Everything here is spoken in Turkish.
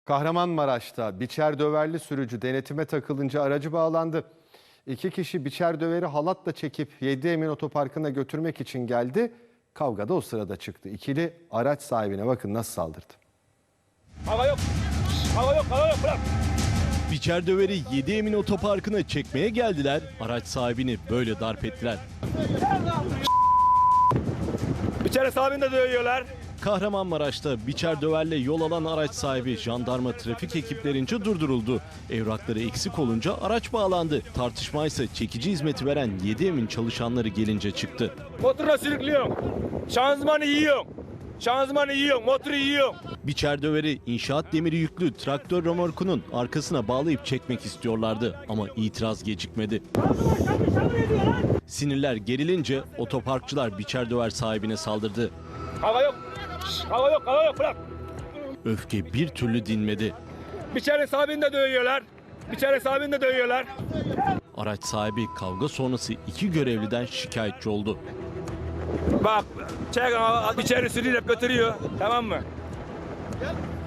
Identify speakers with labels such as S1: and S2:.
S1: Kahramanmaraş'ta biçer döverli sürücü denetime takılınca aracı bağlandı. İki kişi biçer döveri halatla çekip 7 Emin Otoparkı'na götürmek için geldi. Kavga da o sırada çıktı. İkili araç sahibine bakın nasıl saldırdı.
S2: Hava yok. Hava yok, hava yok, bırak.
S3: Biçer döveri 7 Emin Otoparkı'na çekmeye geldiler. Araç sahibini böyle darp ettiler.
S2: İçeri sahibini de dövüyorlar.
S3: Kahramanmaraş'ta biçer döverle yol alan araç sahibi jandarma trafik ekiplerince durduruldu. Evrakları eksik olunca araç bağlandı. Tartışma ise çekici hizmeti veren 7 Emin çalışanları gelince çıktı.
S2: Motorla sürüklüyorsun. Şanzımanı yiyorsun. Şanzımanı yiyorsun, motoru yiyorsun.
S3: Biçer döveri inşaat demiri yüklü traktör römorkunun arkasına bağlayıp çekmek istiyorlardı ama itiraz gecikmedi. Sinirler gerilince otoparkçılar biçer döver sahibine saldırdı.
S2: Hava yok. Hava yok, hava yok, bırak.
S3: Öfke bir türlü dinmedi.
S2: İçeri sahibini de dövüyorlar. İçeri sahibini de dövüyorlar.
S3: Araç sahibi kavga sonrası iki görevliden şikayetçi oldu.
S2: Bak, içeri sürüyle götürüyor, tamam mı?